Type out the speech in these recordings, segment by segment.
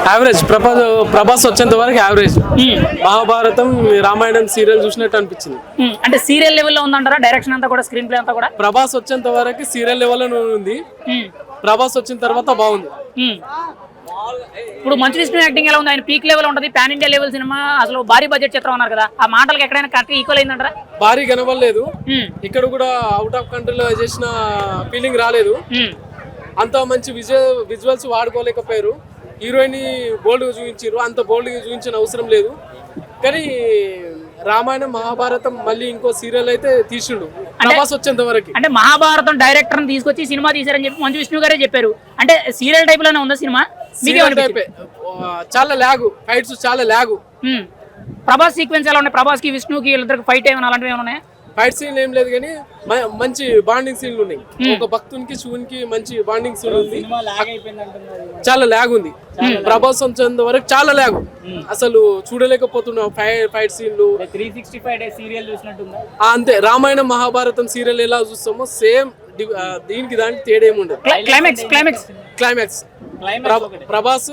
Average. Prabhas వచ్చేంత వరకు average. Mahabharatam Ramayanam serial చూసినట్టు అనిపించింది. అంటే సీరియల్ లెవెల్లో ఉందంటారా డైరెక్షన్ అంతా కూడా, స్క్రీన్ ప్లే అంతా కూడా? ప్రభాస్ వచ్చేంత వరకు సీరియల్ లెవెల్లో ఉంది. ప్రభాస్ వచ్చిన తర్వాత బాగుంది. ఇప్పుడు మంచు విష్ణు యాక్టింగ్ ఎలా ఉంది? ఆయన పీక్ లెవెల్ ఉంటుంది, పాన్ ఇండియా లెవెల్ సినిమా, అసలు భారీ బడ్జెట్ చిత్రం అన్నారు కదా, ఆ మాటలకు ఎక్కడైనా కరెక్ట్ ఈక్వల్ అయిందంటారా? భారీ కనబడలేదు. ఇక్కడ కూడా అవుట్ ఆఫ్ కంట్రీలో చేసిన ఫీలింగ్ రాలేదు. అంత మంచి విజువల్స్ వాడుకోలేకపోయారు. హీరోయిన్ బోల్డ్ గా చూపించారు, అంత బోల్డ్ గా చూపించిన అవసరం లేదు. కానీ రామాయణం మహాభారతం మళ్ళీ ఇంకో సీరియల్ అయితే తీసిండు ప్రభాస్ వచ్చేంత వరకు. అంటే మహాభారతం డైరెక్టర్ తీసుకొచ్చి సినిమా తీసారని చెప్పి మంచు విష్ణు గారే చెప్పారు. అంటే సీరియల్ టైప్ లోనే ఉందా సినిమా? చాలా లాగు, ఫైట్స్ చాలా లాగు. ప్రభాస్ సీక్వెన్స్ ఎలా ఉన్నాయి? ప్రభాస్ కి విష్ణుకి వీళ్ళిద్దరికి ఫైట్ ఏమైనా అలాంటివి ఏమైనా ఉన్నాయి? ఫైట్ సీన్ ఏం లేదు కానీ మంచి బాండింగ్ సీన్లు ఉన్నాయి. ఒక భక్తునికి శివునికి మంచి బాండింగ్ సీన్ ఉంది. చాలా లాగ్ ఉంది. ప్రభాస్ వచ్చేంత వరకు చాలా లాగ్, అసలు చూడలేకపోతున్నాం. ఫైట్ సీన్లు 365 డేస్ సీరియల్ చూసినట్టుందా? అంతే. రామాయణం మహాభారతం సీరియల్ ఎలా చూస్తామో సేమ్ దీనికి దానికి తేడా ఏముండదు. క్లైమాక్స్ ప్రభాస్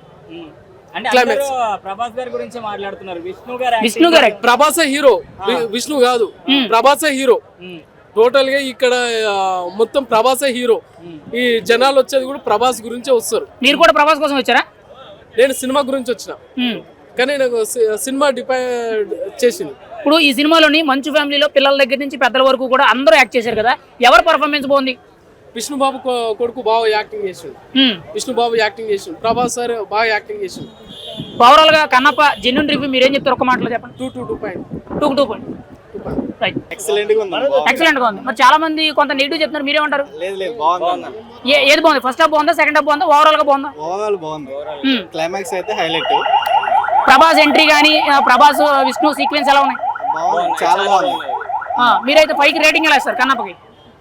ప్రభాస్ గారి గురించి మాట్లాడుతున్నారు. విష్ణు గారు ప్రభాసే హీరో, విష్ణు కాదు. ప్రభాసే హీరో టోటల్ గా. ఇక్కడ మొత్తం ప్రభాసే హీరో. ఈ జనాలు వచ్చేది కూడా ప్రభాస్ గురించే వస్తారు. మీరు కూడా ప్రభాస్ కోసం వచ్చారా? నేను సినిమా గురించి వచ్చిన, కానీ నాకు సినిమా డిపెండ్ చేసింది. ఇప్పుడు ఈ సినిమాలోని మంచు ఫ్యామిలీలో పిల్లల దగ్గర నుంచి పెద్దల వరకు కూడా అందరూ యాక్ట్ చేశారు కదా, ఎవరు పర్ఫార్మెన్స్ బాగుంది? విష్ణు బాబు కొడుకు బాగా యాక్టింగ్ చేసిండు. విష్ణు బాబు యాక్టింగ్ చేసిండు. ప్రభాస్ సార్ బాగా యాక్టింగ్ చేసిండు. ఓవరాల్ గా కన్నప్ప జెన్యూన్ రివ్యూ మీరేం చెప్తారు? ఒక మాటలో చెప్పండి. 2 ఎక్సలెంట్ గా ఉంది. మరి చాలా మంది కొంత నెగిటివ్ చెప్తున్నారు, మీరేమంటారు? ఏది బాగుంది? ఫస్ట్ హాఫ్ బాగుందా, సెకండ్ హాఫ్ బాగుందా, ఓవరాల్ గా బాగుందా? ఓవరాల్ బాగుంది. క్లైమాక్స్ అయితే హైలైట్. ప్రభాస్ ఎంట్రీ గానీ, ప్రభాస్ విష్ణు సీక్వెన్స్ ఎలా ఉన్నాయి? చాలా బాగుంది. మీరైతే 5కి రేటింగ్ ఎలా ఇస్తారు కన్నప్పకి?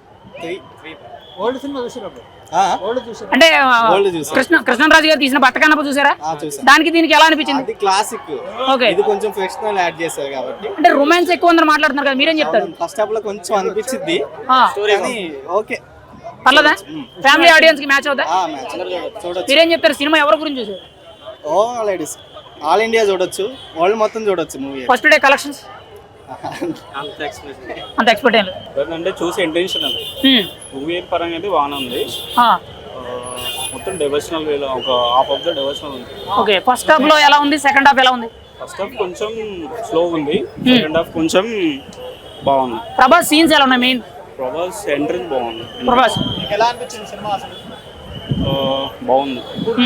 అంటే కృష్ణరాజు గారు తీసిన బట్ట కన్నప్ప చూసారా? దానికి దీనికి ఎలా అనిపించింది? క్లాసిక్. ఓకే, ఇది కొంచెం ఫిక్షనల్ యాడ్ చేశారు కాబట్టి. అంటే రొమాన్స్ ఎక్కువ ఉందని మాట్లాడుతున్నారు కదా, మీరేం చెప్తారు? ఫస్ట్ హాఫ్ లో కొంచెం అనిపించింది, ఓకే పర్లేదా? ఫ్యామిలీ ఆడియన్స్ కి మ్యాచ్ అవుతా? చూడొచ్చు. మీరేం చెప్తారు? సినిమా ఎవరి గురించి చూసారు? ఆల్ ఇండియా చూడొచ్చు, వరల్డ్ మొత్తం చూడొచ్చు మూవీ. ఫస్ట్ డే కలెక్షన్స్ అంత ఎక్స్పెక్ట్ అంటే చూసి ఇంటెన్షనల్ మూవీ పరంగా అయితే బాగానే ఉంది. మొత్తం డివోషనల్ వేలో ఒక హాఫ్ ఆఫ్ ద డివోషనల్ ఉంది. ఓకే, ఫస్ట్ హాఫ్ లో ఎలా ఉంది, సెకండ్ హాఫ్ ఎలా ఉంది? ఫస్ట్ హాఫ్ కొంచెం స్లో ఉంది, సెకండ్ హాఫ్ కొంచెం బాగుంది. ప్రభాస్ సీన్స్ ఎలా ఉన్నాయి? మెయిన్ ప్రభాస్ ఎంట్రీస్ బాగుంది. ప్రభాస్ ఎలా అనిపించింది సినిమా? అసలు బాగుంది.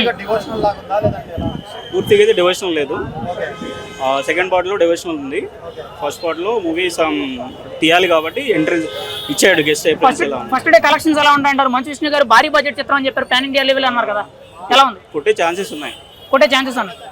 పూర్తిగా అయితే డివోషనల్ లేదు. సెకండ్ పార్ట్ లో డివోషనల్ ఉంది. ఫస్ట్ పార్ట్ లో మూవీ తీయాలి కాబట్టి ఎంట్రీ ఇచ్చాడు గెస్ట్. ఫస్ట్ డే కలెక్షన్స్ ఎలా ఉంటాయంటారు? మంచు విష్ణు గారు భారీ బడ్జెట్ చిత్రం అని చెప్పారు, పాన్ ఇండియా లెవెల్ అన్నారు కదా, ఎలా ఉంది? కొట్టే ఛాన్సెస్ ఉన్నాయి. కొట్టే ఛాన్సెస్ ఉన్నాయి.